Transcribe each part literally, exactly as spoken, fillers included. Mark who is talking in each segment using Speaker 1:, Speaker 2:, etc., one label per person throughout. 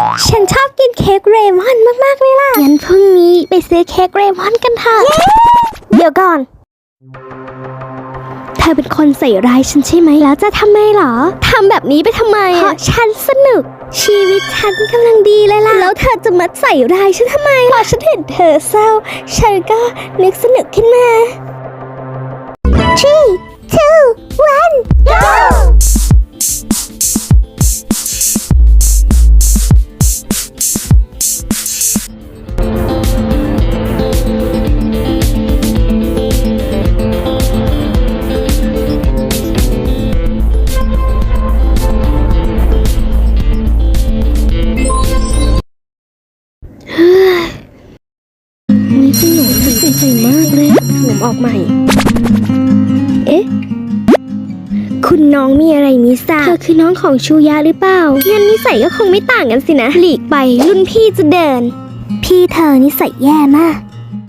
Speaker 1: ฉันชอบกินเค้กเรมอนมากๆเลยล่ะงั้นพรุ่งนี้ไปซื้อเค้กเรมอนกันเถอะเดี๋ยวก่อนเธอเป็นคนใส่ร้ายฉันใช่ไหมแล้วจะทำไมหรอทำแบบนี้ไปทำไมเพราะฉันสนุกชีวิตฉันกำลังดีเลยล่ะแล้วเธอจะมาใส่ร้ายฉันทำไมพอฉันเห็นเธอเศร้าฉันก็นึกสนุกขึ้นมา three two one goนี่ขนมมันใส่มากเลยขนมออกใหม่เอ๊ะคุณน้องมีอะไรมิทราบเธอคือน้องของชูยะหรือเปล่างั้นนิสัยก็คงไม่ต่างกันสินะหลีกไปรุ่นพี่จะเดินพี่เธอนิสัยแย่มาก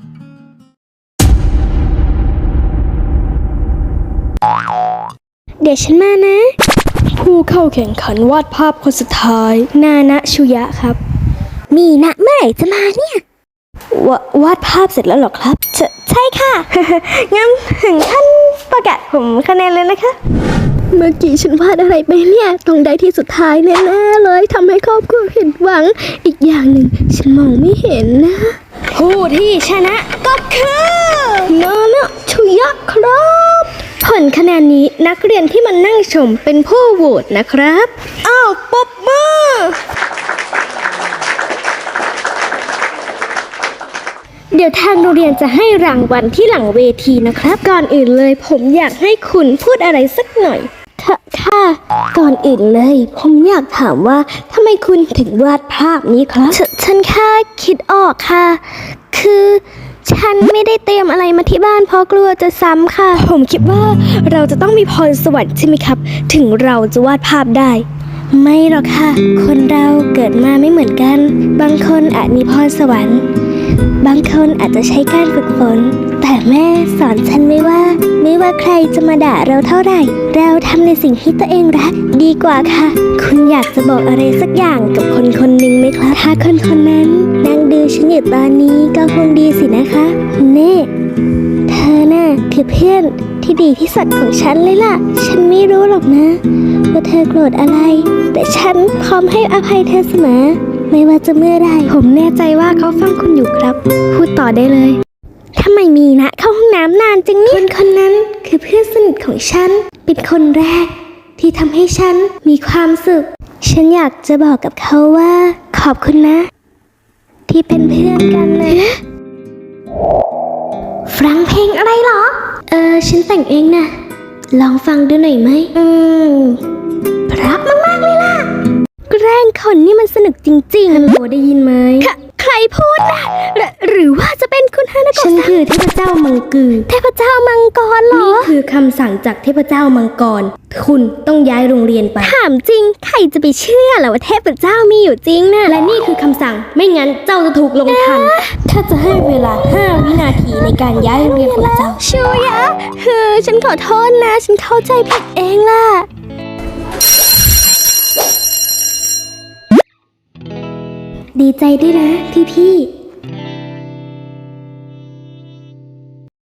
Speaker 1: เดี๋ยวฉันมานะผู้เข้าแข่งขันวาดภาพคนสุดท้ายนานะชูยะครับมีนะเมื่อไหร่จะมาเนี่ยววาดภาพเสร็จแล้วหรอครับใชใช่ค่ะ งั้นถึงขั้นประกาศผมคะแนนเลยนะคะเมื่อกี้ฉันวาดอะไรไปเนี่ยต้องได้ที่สุดท้ายแน่ๆเลยทำให้ครอบครัวผิดหวังอีกอย่างหนึ่งฉันมองไม่เห็นนะผู้ที่ชนะก็คือนานะชูยะครับผลคะแนนนี้นักเรียนที่มานั่งชมเป็นผู้โหวตนะครับอ้าวปรบมือเดี๋ยวทางโรงเรียนจะให้รางวัลที่หลังเวทีนะครับก่อนอื่นเลยผมอยากให้คุณพูดอะไรสักหน่อยค่ะค่ะก่อนอื่นเลยผมอยากถามว่าทำไมคุณถึงวาดภาพนี้ครับฉฉันแค่คิดออกค่ะคือฉันไม่ได้เตรียมอะไรมาที่บ้านเพราะกลัวจะซ้ำค่ะผมคิดว่าเราจะต้องมีพรสวรรค์ใช่ไหมครับถึงเราจะวาดภาพได้ไม่หรอกค่ะคนเราเกิดมาไม่เหมือนกันบางคนอาจมีพรสวรรค์บางคนอาจจะใช้การฝึกฝนแต่แม่สอนฉันไม่ว่าไม่ว่าใครจะมาด่าเราเท่าไหร่เราทำในสิ่งที่ตัวเองรักดีกว่าค่ะคุณอยากจะบอกอะไรสักอย่างกับคนคนหนึ่งไหมครับถ้าคนคนนั้นนั่งดูฉันอยู่ตอนนี้ก็คงดีสินะคะเน่เธอน่ะคือเพื่อนที่ดีที่สุดของฉันเลยล่ะฉันไม่รู้หรอกนะว่าเธอโกรธอะไรแต่ฉันพร้อมให้อภัยเธอเสมอไม่ว่าจะเมื่อใดผมแน่ใจว่าเขาฟังคุณอยู่ครับพูดต่อได้เลยทำไมมีนะเข้าห้องน้ำนานจังเนี่ยคนคนนั้นคือเพื่อนสนิทของฉันเป็นคนแรกที่ทำให้ฉันมีความสุขฉันอยากจะบอกกับเขาว่าขอบคุณนะที่เป็นเพื่อนกันนะฟังเพลงอะไรเหรอเออฉันแต่งเองนะลองฟังดูหน่อยไหมอืมเพราะมากๆเลยล่ะแกล้งคนนี่มันสนุกจริงๆฮัลโหลได้ยินไหมใครพูดนะหรหรือว่าจะเป็นคุณฮานาโกะฉันคือเทพเจ้ามังกือเทพเจ้ามังกรเหรอนี่คือคำสั่งจากเทพเจ้ามังกรคุณต้องย้ายโรงเรียนไปถามจริงใครจะไปเชื่อล่ะว่าเทพเจ้ามีอยู่จริงนะและนี่คือคำสั่งไม่งั้นเจ้าจะถูกลงทันถ้าจะให้เวลาห้าวินาทีในการย้ายโรงเรียนของเจ้าชูยะเฮ้อฉันขอโทษนะฉันเข้าใจผิดเองล่ะดีใจด้วยนะพี่พี่